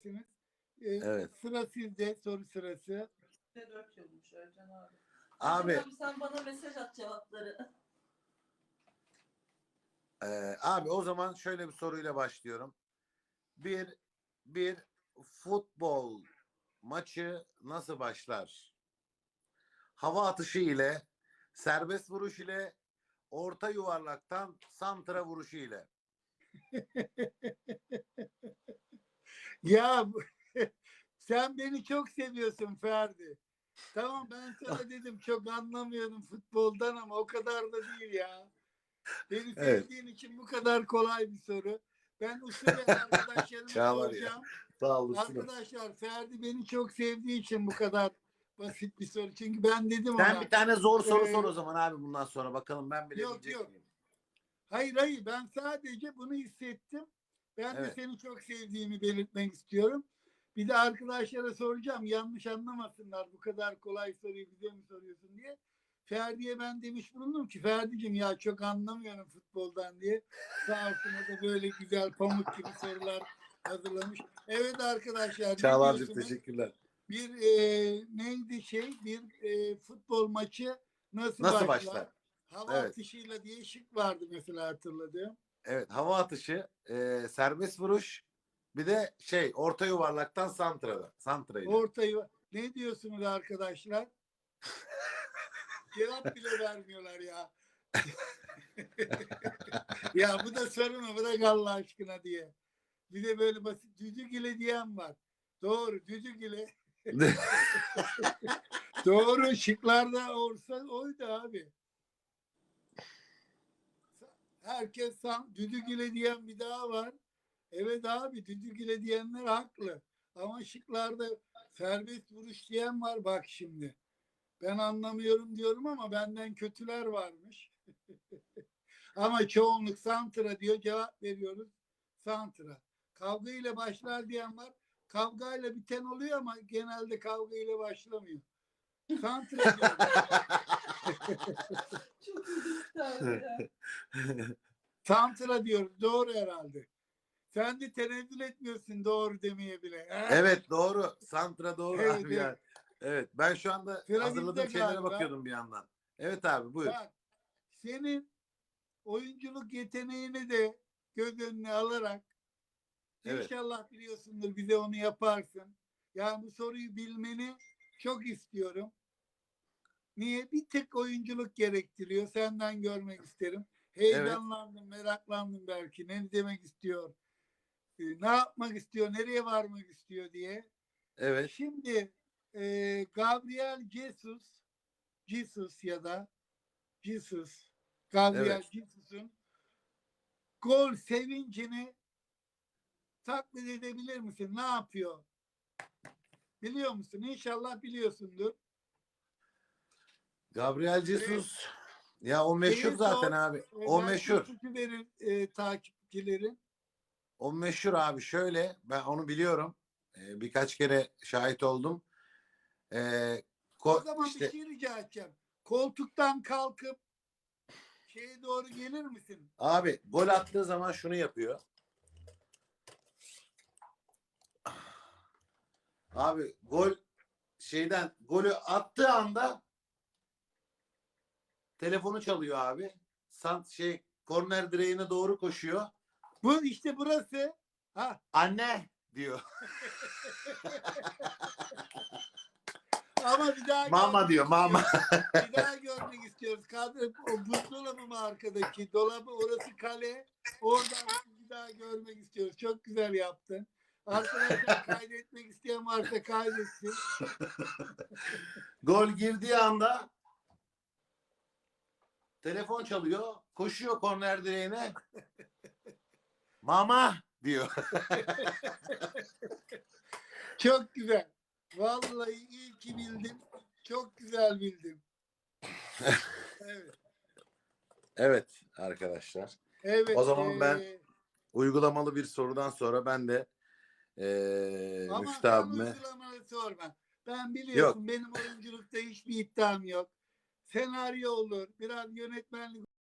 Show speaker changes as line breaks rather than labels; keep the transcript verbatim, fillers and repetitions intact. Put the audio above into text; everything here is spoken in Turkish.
bilirsiniz. Ee,
Evet.
Sıra sizde, soru sırası.
dört yılmış Ercan abi.
Abi,
Ercan abi sen bana mesaj at cevapları.
e, abi o zaman şöyle bir soruyla başlıyorum. Bir bir futbol maçı nasıl başlar? Hava atışı ile, serbest vuruş ile, orta yuvarlaktan santra vuruşu ile.
Ya sen beni çok seviyorsun Ferdi. Tamam, ben sana dedim çok anlamıyorum futboldan ama o kadar da değil ya. Beni
Evet.
sevdiğin için bu kadar kolay bir soru. Ben usulü arkadaşlarıma
Çağlar ya.
soracağım.
Sağ olasın.
Arkadaşlar, Ferdi beni çok sevdiği için bu kadar basit bir soru. Çünkü ben dedim
Sen
ona.
bir tane zor soru
Ee,
sor o zaman abi bundan sonra. Bakalım ben bilebilecek
yok, yok.
miyim?
Hayır hayır, ben sadece bunu hissettim. Ben de
Evet.
seni çok sevdiğimi belirtmek istiyorum. Bir de arkadaşlara soracağım, yanlış anlamasınlar, bu kadar kolay soruyu bize mi soruyorsun diye. Ferdi'ye ben demiş bulundum ki, Ferdi'cim ya çok anlamıyorum futboldan diye. Sağ olsun, o da böyle güzel pamuk gibi sorular hazırlamış. Evet arkadaşlar, ne
Çağlar'cığım
diyorsunuz?
teşekkürler.
Bir e, neydi şey, bir e, futbol maçı nasıl,
Nasıl
başlar?
başlar?
Hava
Evet.
atışıyla diye şık vardı mesela, hatırladığım.
Evet, hava atışı, e, serbest vuruş, bir de şey orta yuvarlaktan santrada. Santrayla.
Ortayı ne diyorsunuz arkadaşlar? Cevap bile vermiyorlar ya. Ya bu da soru mu? Bırak Allah aşkına diye. Bir de böyle basit düdük ile diyen var. Doğru, düdük ile. Doğru, şıklarda olsa oydu abi. Herkes san, düdük ile diyen bir daha var. Evet abi, düdük ile diyenler haklı. Ama şıklarda serbest vuruş diyen var bak şimdi. Ben anlamıyorum diyorum ama benden kötüler varmış. Ama çoğunluk santra diyor, cevap veriyoruz. Santra. Kavga ile başlar diyen var. Kavga ile biten oluyor ama genelde kavga ile başlamıyor. Santra diyoruz.
Çok ilginç abi ya.
Santra diyoruz. Doğru herhalde. Sen de tenezzül etmiyorsun doğru demeye bile. He?
Evet doğru. Santra doğru
Evet,
abi ya.
evet.
Evet ben şu anda
Sıra bizde
hazırladığım şeylere
galiba.
bakıyordum bir yandan. Evet abi buyur.
Bak, senin oyunculuk yeteneğini de göz önüne alarak
Evet.
İnşallah biliyorsundur, bize onu yaparsın. Yani bu soruyu bilmeni çok istiyorum. Niye? Bir tek oyunculuk gerektiriyor. Senden görmek isterim.
Evet.
Heyecanlandım, meraklandım belki. Ne demek istiyor? e, Ne yapmak istiyor? Nereye varmak istiyor diye.
Evet.
Şimdi e, Gabriel Jesus Jesus ya da Jesus Gabriel
Evet.
Jesus'un gol sevincini taklit edebilir misin? Ne yapıyor? Biliyor musun? İnşallah biliyorsundur.
Gabriel Jesus. Ya o meşhur
Şeyi
zaten
sor,
abi.
e,
O
belki
meşhur.
ipucu verir e, takipçilerin.
O meşhur abi şöyle. Ben onu biliyorum. Ee, birkaç kere şahit oldum. Ee,
O
ko-
zaman bir
işte
şey rica edeceğim. Koltuktan kalkıp şeye doğru gelir misin?
abi gol attığı zaman şunu yapıyor. Abi gol şeyden golü attığı anda telefonu çalıyor abi. Sant şey korner direğine doğru koşuyor.
Bu işte burası. Ha.
Anne diyor.
Ama bir daha
Mama
görmek
diyor mama.
istiyoruz. Bir daha görmek istiyoruz. Kadro, o buzdolabı mı arkadaki? Dolabı, orası kale. Oradan bir daha görmek istiyoruz. Çok güzel yaptın. Arkadaşlar, kaydetmek isteyen varsa kaydetsin.
Gol girdiği anda telefon çalıyor. Koşuyor korner direğine. Mama diyor.
Çok güzel. Vallahi iyi ki bildim. Çok güzel bildim. Evet.
Evet arkadaşlar.
Evet.
O zaman ben
E,
uygulamalı bir sorudan sonra ben de ee,
ama
Müftü
sen
abime
uygulamalı sorma. Ben
yok
biliyorsun, benim oyunculukta hiçbir iddiam yok. Senaryo olur, biraz yönetmenlik